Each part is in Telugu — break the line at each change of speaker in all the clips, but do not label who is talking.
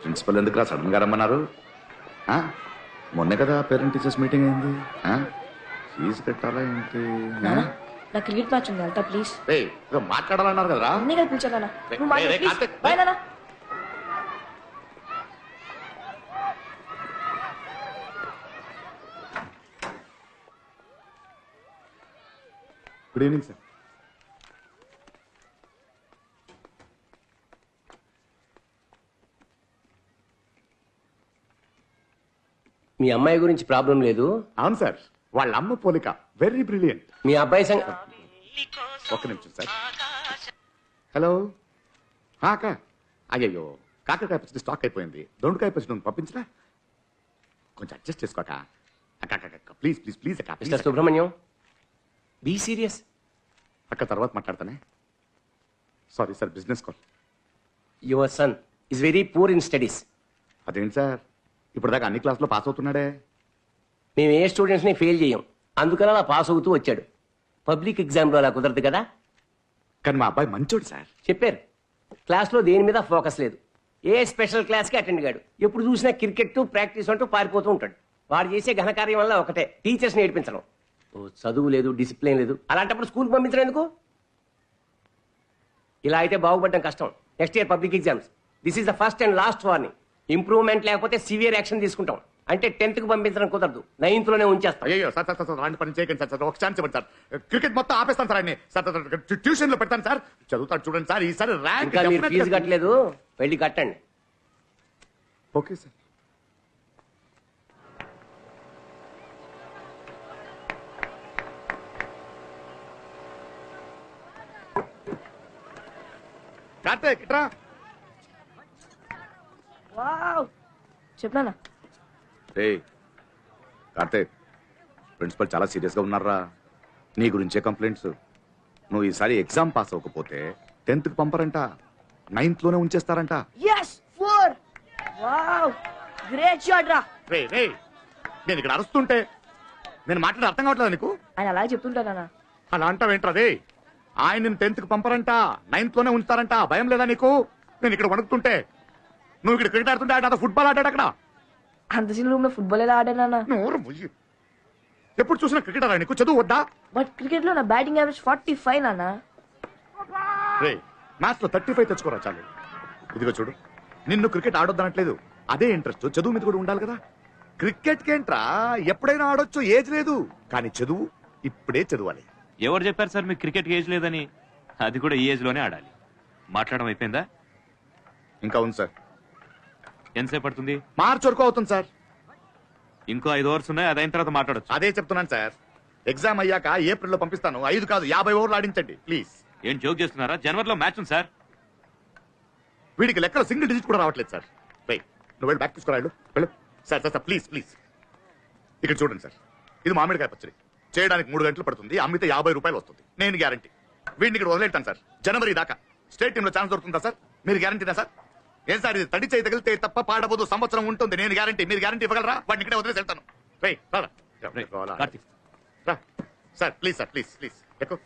ప్రిన్సిపల్ ఎందుకు రా సడన్ గా రమ్మన్నారు? మొన్నే కదా పేరెంట్ టీచర్స్ మీటింగ్ అయింది. ఫీజు కట్టాలా ఏంటి?
నా క్రికెట్ మ్యాచ్ ఉంది, వెళ్తా ప్లీజ్.
మాట్లాడాలన్నారు కదరా.
అన్నీ కల్పించాలా?
Good evening sir.
మీ అమ్మాయి గురించి ప్రాబ్లం లేదు?
అవును సార్, వాళ్ళ అమ్మ పోలిక వెరీ బ్రిలియంట్.
మీ అబ్బాయి
ఒక్క నిమిషం సార్. హలో అక్క. అయ్యయ్యో, కాకరకాయ పచ్చడి స్టాక్ అయిపోయింది. దొండకాయ పచ్చడి పంపించరా? కొంచెం అడ్జస్ట్ చేసుకోక. ప్లీజ్ ప్లీజ్ ప్లీజ్ అక్క.
Mister Subrahmanyam, be serious.
అక్క తర్వాత మాట్లాడతానే. Sorry sir, business call.
Your son is very poor in studies.
అదేంటి సార్, ఇప్పుడు దాకా అన్ని క్లాసులో పాస్ అవుతున్నాడే.
మేము ఏ స్టూడెంట్స్ని ఫెయిల్ చేయం, అందుకని అలా పాస్ అవుతూ వచ్చాడు. పబ్లిక్ ఎగ్జామ్లో అలా కుదరదు కదా.
కానీ మా అబ్బాయి మంచోడు సార్.
చెప్పారు, క్లాస్లో దేని మీద ఫోకస్ లేదు. ఏ స్పెషల్ క్లాస్కి అటెండ్ కాడు. ఎప్పుడు చూసినా క్రికెట్ ప్రాక్టీస్ అంటూ పారిపోతూ ఉంటాడు. వాడు చేసే ఘనకార్యం వల్ల ఒకటే, టీచర్స్ని నేర్పించడం. చదువు లేదు, డిసిప్లిన్ లేదు. అలాంటప్పుడు స్కూల్కి పంపించడం ఎందుకు? ఇలా అయితే బాగుపడడం కష్టం. Next year public exams. This is the first and last warning. Improvement లేకపోతే సివియర్ యాక్షన్ తీసుకుంటాం. అంటే 10th కి పంపించడం కుదరదు, 9th లోనే ఉంచేస్తాం.
అయ్యో సార్ సార్ సార్ అలాంటి పని చేయకండి సార్. ఒక ఛాన్స్ ఇవ్వండి సార్. క్రికెట్ మొత్తం ఆపేస్తాను సార్. అన్ని సార్ ట్యూషన్ లో పెడతాను సార్. చదువుతాడు చూడండి సార్. ఈసారి ర్యాంక్.
ఇంకా మీరు ఫీజు కట్టలేదు, వెళ్ళి కట్టండి.
Okay sir. కార్తీక్ ఇట్రా.
చెప్పనా?
కార్తీక్, ప్రిన్సిపల్ చాలా సీరియస్ గా ఉన్నారా. నీ గురించే కంప్లైంట్స్. నువ్వు ఈసారి ఎగ్జామ్ పాస్ అవ్వకపోతే 10th కి పంపరంట, 9th లోనే ఉంచేస్తారంట. నేను ఇక్కడ అరుస్తుంటే నేను మాట్లాడే అర్థం కావట్లేదు నీకు?
ఆయన అలా చెప్తుంటానా?
అలా అంటావేంట్రదే? ఆయన 10th కి పంపరంట, 9th లోనే ఉంచుతారంట. భయం లేదా నీకు? నేను ఇక్కడ వణుకుతుంటే నువ్వు ఇక్కడ క్రికెట్ ఆడుతుంటే ఆయన ఫుట్బాల్ ఆడాడు అక్కడ.
అంత చిన్న రూమ్ లో ఫుట్బాల్ ఎలా ఆడానా?
ఎప్పుడు చూసినా క్రికెట్ ఆడా నీకు? చదువు వద్దా?
బట్ క్రికెట్ లో నా బ్యాటింగ్ యావరేజ్ 45 నానా.
మ్యాచ్ లో 35 తెచ్చుకోరా చాలు. ఇదిగో చూడు, నిన్ను క్రికెట్ ఆడొద్దనట్లేదు. అదే ఇంట్రెస్ట్ చదువు మీద కూడా ఉండాలి కదా. క్రికెట్ కేంట్రా ఎప్పుడైనా ఆడొచ్చు, ఏజ్ లేదు. కానీ చదువు ఇప్పుడే చదవాలి.
ఎవరు చెప్పారు సార్ మీకు క్రికెట్ ఏజ్ లేదని? అది కూడా ఈ ఏజ్ లోనే ఆడాలి. మాట్లాడడం అయిపోయిందా?
ఇంకా ఉంది సార్.
ఎంతసేపు పడుతుంది?
మార్చి వరకు అవుతుంది సార్.
ఇంకో 5 ఓవర్స్ ఉన్నాయి, అది అయిన తర్వాత మాట్లాడచ్చు.
అదే చెప్తున్నాను సార్. ఎగ్జామ్ అయ్యాక ఏప్రిల్లో పంపిస్తాను. 5 కాదు 50 ఓవర్లు ఆడించండి ప్లీజ్.
ఏం జోక్ చేస్తున్నారా? జనవరిలో మ్యాచ్ ఉంది సార్.
వీడికి లెక్కలో సింగిల్ డిజిట్ కూడా రావట్లేదు సార్. నువ్వు వెళ్ళి బ్యాక్ తీసుకురాడు వెళ్ళు. Sir sir sir please please. ఇక్కడ చూడండి సార్, ఇది మామిడికాయ పచ్చడి. చేయడానికి 3 గంటలు పడుతుంది. అమ్మితే 50 రూపాయలు వస్తుంది. నేను గ్యారంటీ. వీడిని ఇక్కడ వదిలేటాను సార్. జనవరి దాకా స్టేట్ టీమ్ లో ఛాన్స్ దొరుకుతుందా సార్? మీరు గ్యారంటీనా సార్? ఏం సార్ ఇది? తడి చేయి తగిలితే తప్ప పాడబోదు, సంవత్సరం ఉంటుంది. నేను గ్యారంటీ. మీరు గ్యారంటీ ఇవ్వగలరా? వాడిని ఇక్కడే వదిలేసి వెళ్తాను. Sir please sir please please ఎక్కువ.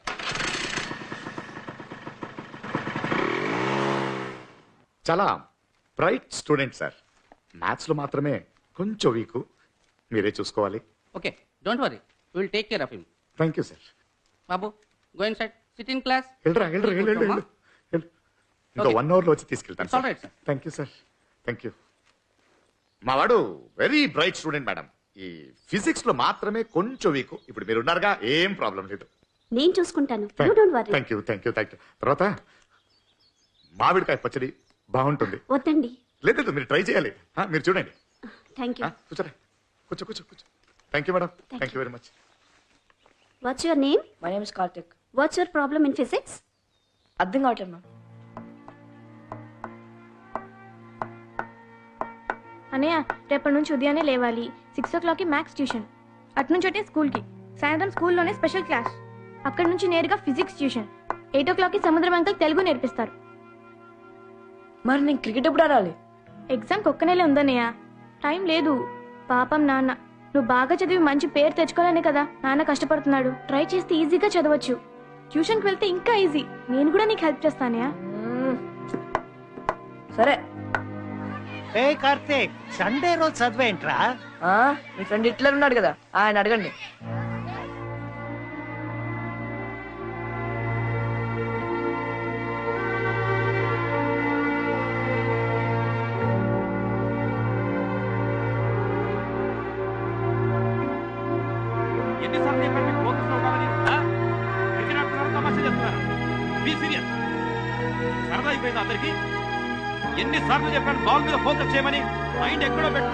చాలా బ్రైట్ స్టూడెంట్ సార్. మ్యాథ్స్ లో మాత్రమే కొంచెం వీక్. మీరే చూసుకోవాలి.
Okay, don't worry. We will take care of him.
Thank you sir.
Babu, go inside. Sit in class.
వెళ్ళరా వెళ్ళరా వెళ్ళు. ఇంకా 1 hour లో వచ్చి తీసుకెళ్తాను
It's all right, sir.
Thank you sir. Thank you. మా వాడు వెరీ బ్రైట్ స్టూడెంట్ మేడం. ఈ ఫిజిక్స్ లో మాత్రమే కొంచెం వీక్. ఇప్పుడు మీరు ఉన్నారుగా, ఏం ప్రాబ్లం లేదు.
నేను చూసుకుంటాను. You don't worry.
Thank you thank you thank you. తర్వాత మామిడికాయ పచ్చడి బాగుంటుంది.
వద్దండి.
లేదు మీరు ట్రై చేయాలి. మీరు చూడండి.
Thank you.
కూర్చోరా, కూర్చో కూర్చో కూర్చో. Thank you madam. Thank you very much.
What's your name?
My name is Karthik.
What's your problem in physics?
అర్థం కావట్లేదు మ్యామ్.
అన్నయ్య, రేపటి నుంచి ఉదయాన్నే లేవాలి. 6 o'clockకి మ్యాథ్స్ ట్యూషన్. అటు అంటే స్కూల్కి. సాయంత్రం స్కూల్లోనే స్పెషల్ క్లాస్. అక్కడి నుంచి నేరుగా ఫిజిక్స్ ట్యూషన్. 8 o'clockకి సముద్రం అంకల్ తెలుగు నేర్పిస్తారు.
మరి నేను క్రికెట్ ఎప్పుడు ఆడాలి?
ఎగ్జామ్కి ఒక్క నెలే ఉందన్నయ్య, టైం లేదు. పాపం నాన్న, నువ్వు బాగా చదివి మంచి పేరు తెచ్చుకోవాలనే కదా నాన్న కష్టపడుతున్నాడు. ట్రై చేస్తే ఈజీగా చదవచ్చు. ట్యూషన్కి వెళ్తే ఇంకా ఈజీ. నేను కూడా నీకు హెల్ప్ చేస్తానయ్యా.
సరే.
ఏ కార్తీక్ సండే రోజు చదివేంట్రా?
ఆ, మీ ఫ్రెండ్ హిట్లర్ ఉన్నాడు కదా ఆయన అడగండి.
ఎన్నిసార్లు చెప్పాను మీకు focus లో ఉండాలని? ఆ? క్రికెట్ ఆడుతున్నారు, తమాషా చేస్తున్నారు. Be serious. సరదా అయిపోయింది అందరికి. ఎన్నిసార్లు చెప్పాను బాల్ మీద ఫోకస్ చేయమని? మైండ్ ఎక్కడో పెట్టు.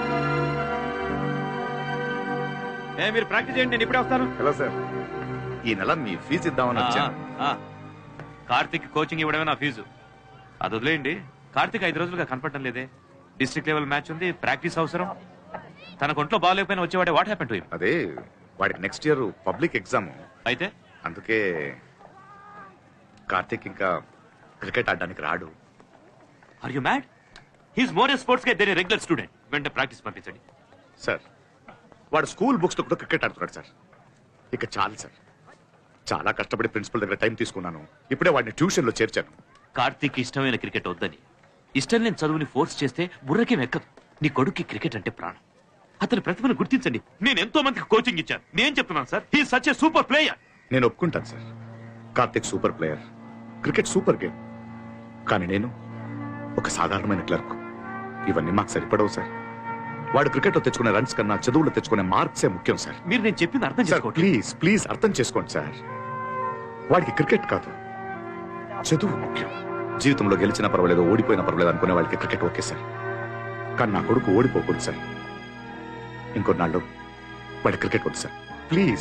మీరు ప్రాక్టీస్ చేయండి, నేను ఇప్పుడే వస్తాను.
హలో సార్, ఈ నెల మీ ఫీజు ఇద్దామని వచ్చాను.
కార్తిక్ కోచింగ్ ఇవ్వడమే నా ఫీజు. అది వదిలేయండి. కార్తిక్ 5 రోజులుగా కనపడటం లేదే. డిస్ట్రిక్ట్ లెవెల్ మ్యాచ్ ఉంది, ప్రాక్టీస్ అవసరం. తన ఒంట్లో బాగాలేకపోయినా వచ్చేవాడే. What happen to him?
అదే వాడికి నెక్స్ట్ ఇయర్ పబ్లిక్ ఎగ్జామ్,
అయితే
అందుకే కార్తీక్ ఇంకా క్రికెట్ ఆడడానికి రాడు.
Are you mad? He's more a sports guy than a regular student. వెంటనే ప్రాక్టీస్ పంపించండి.
సార్, వాడు స్కూల్ బుక్స్ తో కూడా క్రికెట్ ఆడుతున్నాడు సార్. ఇక చాలు సార్, చాలా కష్టపడి ప్రిన్సిపల్ దగ్గర టైం తీసుకున్నాను. ఇప్పుడే వాడిని ట్యూషన్ లో చేర్చాను.
కార్తిక్ ఇష్టమైన క్రికెట్ వద్దని, ఇష్టం లేని చదువుని ఫోర్స్ చేస్తే బుర్రకేం ఎక్కదు. నీ కొడుక్కి క్రికెట్ అంటే ప్రాణం. అతని ప్రతిభను గుర్తించండి. నేను ఎంతో మందికి కోచింగ్ ఇచ్చాను. నేను చెప్తున్నాను sir, he such a super player.
నేను ఒప్పుకుంటాను sir, Karthik super player, cricket super game. కానీ నేను ఒక సాధారణమైన క్లర్క్. ఇవన్నీ మాకు సరిపడవు సార్. వాడు క్రికెట్ లో తెచ్చుకునే రన్స్ కన్నా చదువులో తెచ్చుకునే మార్క్సే ముఖ్యం సార్.
మీరు నేను చెప్పింది అర్థం
సార్
చేసుకోండి.
ప్లీజ్ ప్లీజ్ అర్థం చేసుకోండి సార్. వాడికి క్రికెట్ కాదు, చదువు ముఖ్యం. జీవితంలో గెలిచినా పర్వాలేదు, ఓడిపోయినా పర్వాలేదు అనుకునే వాళ్ళకి క్రికెట్ ఓకే సార్. కానీ నా కొడుకు ఓడిపోకూడదు సార్. ఇంకొన్నాళ్ళు వాడి క్రికెట్ వద్దు సార్. Please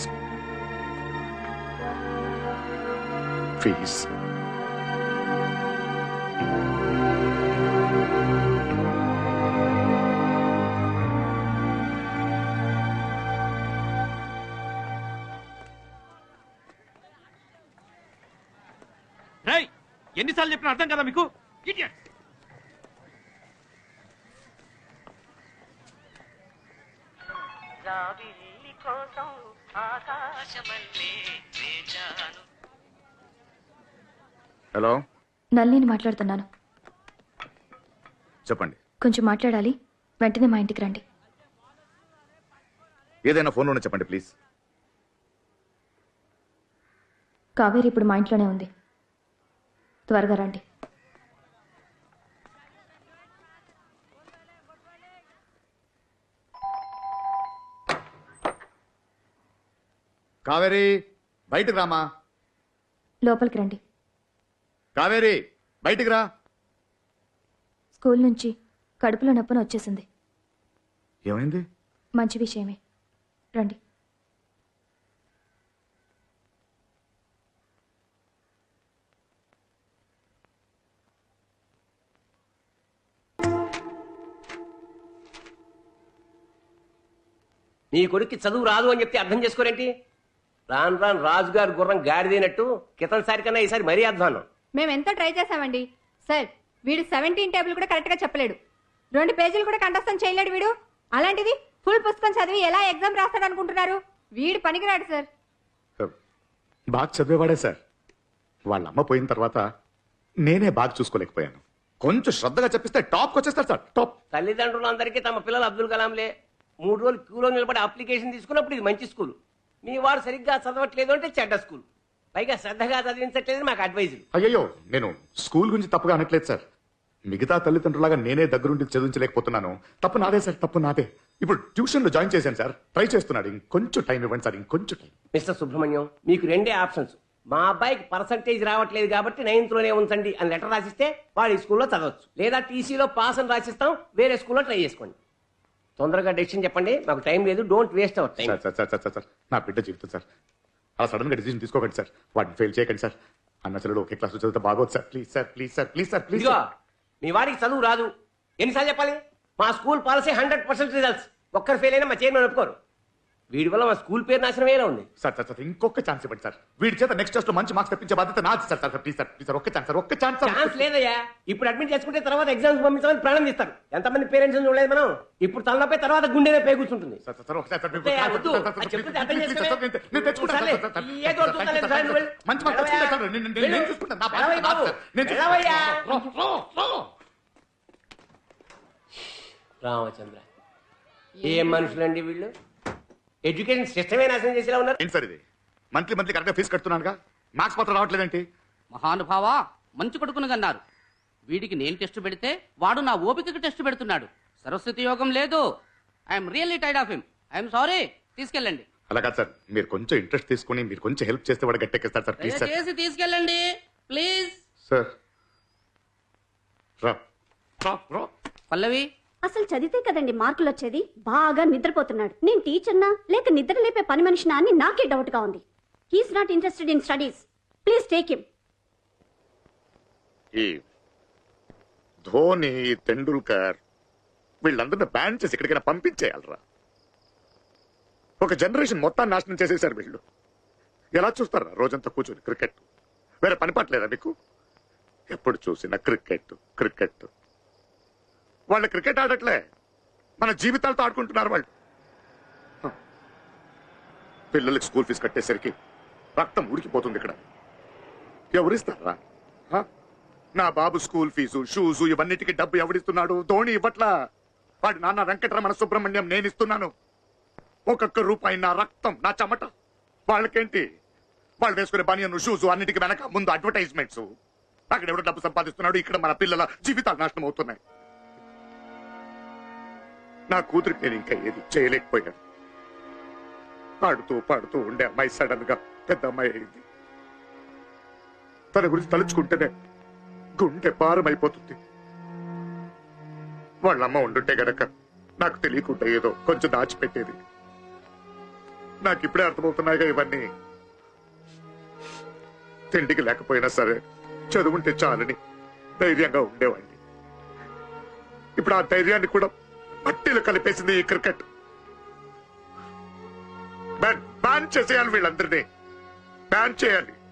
please.
రేయ్, ఎన్నిసార్లు చెప్పినా అర్థం కదా మీకు? Idiot.
హలో,
నల్లిని మాట్లాడుతున్నాను.
చెప్పండి.
కొంచెం మాట్లాడాలి, వెంటనే మా ఇంటికి రండి.
ఏదైనా ఫోన్లోనే చెప్పండి ప్లీజ్.
కావేరి ఇప్పుడు మా ఇంట్లోనే ఉంది, త్వరగా రండి.
కావేరి, బయటకు రామా.
లోపలికి రండి.
కావేరి, బయటికి రా.
స్కూల్ నుంచి కడుపులో నొప్పని వచ్చేసింది.
ఏమైంది?
మంచి విషయమే, రండి.
నీ కొడుక్కి చదువు రాదు అని చెప్తే అర్థం చేసుకోరేంటి? రాను రాను రాజుగారు గుర్రం గాడిదైనట్టు క్రితంసారి కన్నా ఈసారి మరీ అధ్వానం.
మేము ఎంతో ట్రై చేసామండి సార్. వీడు 17 టేబుల్ కూడా కరెక్ట్ గా చెప్పలేడు, 2 పేజీలు కూడా కంఠస్థం చేయలేడు వీడు. అలాంటిది ఫుల్ పుస్తకం చదివి ఎలా ఎగ్జామ్ రాస్తాడు అనుకుంటున్నారు? వీడు పనికిరాడు సార్.
బాగా చదివేవాడే సార్. వాళ్ళ అమ్మ పోయిన తర్వాత నేనే బాగా చూసుకోలేకపోయాను. కొంచెం శ్రద్ధగా చెప్పిస్తే టాప్కి వచ్చేస్తారు సార్, టాప్.
తల్లిదండ్రులందరికీ తమ పిల్లలు అబ్దుల్ కలాంలే. 3 రోజులు క్యూలో నిలబడి అప్లికేషన్ తీసుకున్నప్పుడు ఇది మంచి స్కూల్, మీ వాడు సరిగ్గా చదవట్లేదు అంటే చెడ్డ స్కూల్, పైగా శ్రద్ధగా చదివించట్లేదు మాకు అడ్వైజులు.
అయ్యో, నేను స్కూల్ గురించి తప్పుగా అనట్లేదు సార్. మిగతా తల్లిదండ్రులాగా నేనే దగ్గరుండి చదివించలేకపోతున్నాను. తప్పు నాదే సార్, తప్పు నాదే. ఇప్పుడు ట్యూషన్ లో జాయిన్ చేశాను సార్, ట్రై చేస్తున్నాడు. ఇంకొంచెం టైం ఇవ్వండి సార్, ఇంకొంచెం టైం.
మిస్టర్ సుబ్రహ్మణ్యం, మీకు 2 ఆప్షన్స్. మా అబ్బాయికి పర్సంటేజ్ రావట్లేదు కాబట్టి 9th లోనే ఉంచండి అని లెటర్ రాసిస్తే వాడు ఈ స్కూల్లో చదవచ్చు, లేదా టీసీలో పాస్ అని రాసిస్తాం, వేరే స్కూల్లో ట్రై చేసుకోండి. తొందరగా డెసిషన్ చెప్పండి, మాకు టైం లేదు. Don't waste our time.
Sir sir sir sir sir, నా బిడ్డ జీవితం సార్, అలా సడన్ గా డిసిజన్ తీసుకోకండి సార్. వాటిని ఫెయిల్ చేయకండి సార్. అన్న చెల్లెలు ఒకే క్లాస్ చదివితే బాగోదు sir. Please sir, please sir, please sir, please.
ఇదిగో, మీ వాడికి చదువు రాదు, ఎన్నిసార్లు చెప్పాలి? మా స్కూల్ పాలసీ 100% రిజల్ట్స్. ఒక్కరు ఫెయిల్ అయినా మా చైర్మన్ ఒప్పుకోరు. వీడి వల్ల మా స్కూల్ పేరు నాశనమేలా ఉంది.
సార్ సార్ సార్, ఇంకొక ఛాన్స్ ఇవ్వండి సార్. వీడి చేత నెక్స్ట్ టెస్ట్ లో మంచి మార్క్స్ తెప్పించే బాధ్యత నాది sir. Sir please sir, please sir, ఒక్క ఛాన్స్ సార్, ఒక్క ఛాన్స్.
ఛాన్స్ లేదయ్యా. ఇప్పుడు అడ్మిట్ చేసుకుంటే తర్వాత ఎగ్జామ్స్ పంపించాలని ప్రాణం తీస్తారు. ఎంతమంది పేరెంట్స్ చూడలేదు మనం. ఇప్పుడు తలనొప్పి తర్వాత గుండెనే పే కూర్చుంటుంది.
సార్ సార్, ఒకసారి సార్,
వద్దు, అది చెప్తే అర్థం చేసుకోవే.
నేను తెచ్చుకుంటాను
సర్లే,
సార్, సార్,
ఏదో
సార్,
చూస్తాలే,
సార్,
సార్, నువ్వు
మంచి మార్క్స్ తెచ్చుకుంటాను సార్. నేను చూసుకుంటాను. నా బాధ్యత
వెళ్ళవయ్య బాబు,
నాది సార్. నేను
వెళ్ళవయ్యా.
చూసుకుంటాను.
రామచంద్ర, ఏం మనుషులండి వీళ్ళు? ఎడ్యుకేషన్ సిస్టమే నాశనం చేసేలా ఉన్నారు.
ఏంటి సార్ ఇది? మంత్లీ కరెక్ట్గా ఫీజు కడుతున్నానుగా, మార్క్స్ మాత్రం రావట్లేదేంటి?
మహానుభావా, మంచి కొడుకును కన్నారు. వీడికి నేను టెస్ట్ పెడితే వాడు నా ఓపికకి టెస్ట్ పెడుతున్నాడు. సరస్వతి యోగం లేదు. I'm really tired of him. I'm sorry. తీసుకెళ్ళండి.
అలా కాదు సార్, మీరు కొంచెం ఇంట్రెస్ట్ తీసుకుని మీరు కొంచెం హెల్ప్ చేస్తే వాడు గట్టెక్కిస్తారు సార్. Please sir.
చేసి తీసుకెళ్ళండి ప్లీజ్.
సార్ రా రా రా.
పల్లవి,
అసలు చదివితే కదండి మార్కులు వచ్చేది. బాగా నిద్రపోతున్నాడు. నేను టీచర్నా లేక నిద్ర లేపే పని మనిషినా అని నాకే డౌట్ గా ఉంది. He's not interested in studies. Please take him.
ఈ ధోని, తెండూల్కర్ వీళ్ళందరినీ బ్యాన్ చేసి ఎక్కడికైనా పంపించేయాలరా. ఒక జనరేషన్ మొత్తాన్ని నాశనం చేసేసారు వీళ్ళు. ఎలా చూస్తారా రోజంతా కూర్చొని క్రికెట్? వేరే పని పట్టలేదా మీకు? ఎప్పుడు చూసినా క్రికెట్ క్రికెట్. వాళ్ళు క్రికెట్ ఆడట్లే, మన జీవితాలతో ఆడుకుంటున్నారు వాళ్ళు. పిల్లలకి స్కూల్ ఫీజు కట్టేసరికి రక్తం ఉడికిపోతుంది ఇక్కడ. ఎవరిస్తారా? నా బాబు స్కూల్ ఫీజు, షూజు ఇవన్నిటికీ డబ్బు ఎవడిస్తున్నాడు? ధోని ఇవ్వట్లా. వాడి నాన్న వెంకటరమణ సుబ్రహ్మణ్యం నేను ఇస్తున్నాను. ఒక్కొక్క రూపాయి నా రక్తం, నా చెమట. వాళ్ళకేంటి? వాళ్ళు వేసుకునే బనియన్, షూజు అన్నిటికీ వెనక ముందు అడ్వర్టైజ్మెంట్స్. అక్కడ ఎవడో డబ్బు సంపాదిస్తున్నాడు, ఇక్కడ మన పిల్లల జీవితాలు నాశనం అవుతున్నాయి. నా కూతురికి నేను ఇంకా ఏది చేయలేకపోయాను. పాడుతూ పాడుతూ ఉండే అమ్మాయి సడన్ గా పెద్ద అమ్మాయి అయింది. తన గురించి తలుచుకుంటేనే గుండె భారం అయిపోతుంది. వాళ్ళమ్మ ఉండుంటే గనక నాకు తెలియకుండా ఏదో కొంచెం దాచిపెట్టేది. నాకు ఇప్పుడే అర్థమవుతున్నాయిగా ఇవన్నీ. తిండికి లేకపోయినా సరే చదువుంటే చాలని ధైర్యంగా ఉండేవాడిని. ఇప్పుడు ఆ ధైర్యాన్ని కూడా మట్టిలో కలిపేసింది ఈ క్రికెట్. బ్యాన్ చేసేయాలి, వీళ్ళందరినీ బ్యాన్ చేయాలి.